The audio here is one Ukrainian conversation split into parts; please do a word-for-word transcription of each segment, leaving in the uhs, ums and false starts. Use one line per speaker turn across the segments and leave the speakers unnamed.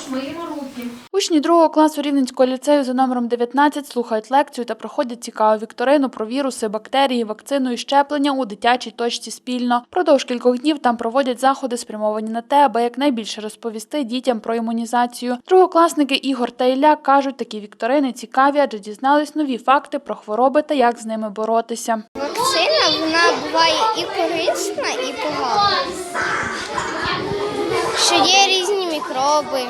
миємо руки.
Учні другого класу Рівненського ліцею за номером дев'ятнадцять слухають лекцію та проходять цікаву вікторину про віруси, бактерії, вакцину і щеплення у дитячій точці спільно. Продовж кількох днів там проводять заходи, спрямовані на те, аби якнайбільше розповісти дітям про імунізацію. Другокласники Ігор та Ілля кажуть, такі вікторини цікаві, адже дізнались нові факти про хвороби та як з ними боротися.
Вакцина, вона буває і корисна, і погана. Що є різні мікроби,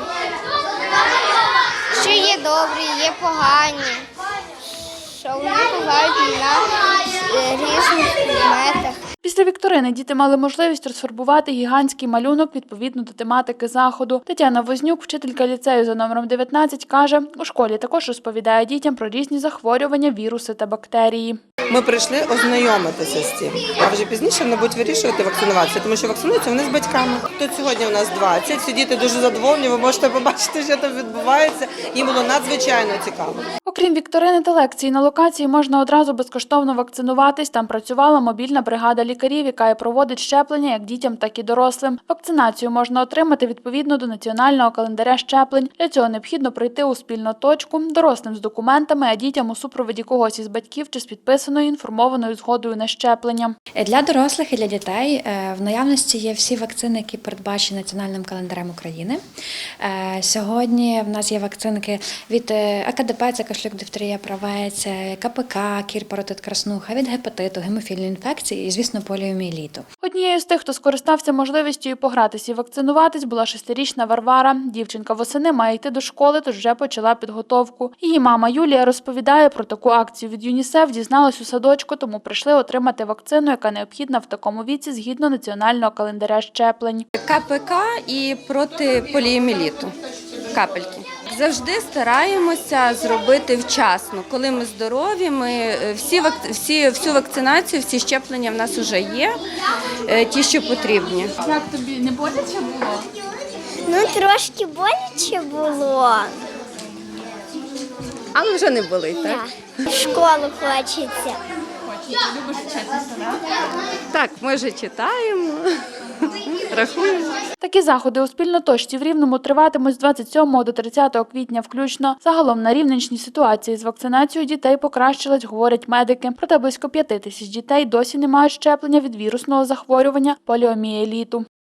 що є добрі, є погані, що вони бувають на різних предметах.
Після вікторини діти мали можливість розфарбувати гігантський малюнок відповідно до тематики заходу. Тетяна Вознюк, вчителька ліцею за номером дев'ятнадцять, каже, у школі також розповідає дітям про різні захворювання, віруси та бактерії.
Ми прийшли ознайомитися з цим, а вже пізніше вони будуть вирішувати вакцинуватися, тому що вакцинуються вони з батьками. Тут сьогодні у нас двадцять, всі діти дуже задоволені, ви можете побачити, що там відбувається. Їм було надзвичайно цікаво.
Окрім вікторини та лекцій, на локації можна одразу безкоштовно вакцинуватись. Там працювала мобільна бригада лікарів, яка і проводить щеплення як дітям, так і дорослим. Вакцинацію можна отримати відповідно до національного календаря щеплень. Для цього необхідно прийти у спільну точку, дорослим з документами, а дітям у супроводі когось із батьків чи з підписаною інформованою згодою на щеплення.
Для дорослих і для дітей в наявності є всі вакцини, які передбачені національним календарем України. Сьогодні в нас є вакцинки від А Ка Де Пе, це кашлюк, дифтерія, правець, Ка Пе Ка, кір, паротит, краснуха, від гепатиту, гемофільної інфекції і, звісно, поліомієліту.
Однією з тих, хто скористався можливістю і погратися і вакцинуватись, була шестирічна Варвара. Дівчинка восени має йти до школи, тож вже почала підготовку. Її мама Юлія розповідає про таку акцію від ЮНІСЕФ, дізналась у садочку, тому прийшли отримати вакцину, яка необхідна в такому віці згідно національного календаря щеплень.
Ка Пе Ка і проти поліомієліту. Капельки. Завжди стараємося зробити вчасно. Коли ми здорові, ми всі, всі, всю вакцинацію, всі щеплення в нас вже є, ті, що потрібні.
Як тобі, не боляче було?
Ну, трошки боляче було.
Але вже не болить, так?
В школу хочеться.
Любиш вчитися, так?
Так, ми вже читаємо, рахуємо.
Такі заходи у спільноточці в Рівному триватимуть з двадцять сьомого до тридцятого квітня включно. Загалом на Рівненщині ситуація з вакцинацією дітей покращилась, говорять медики. Проте близько п'яти тисяч дітей досі не мають щеплення від вірусного захворювання поліомієліту.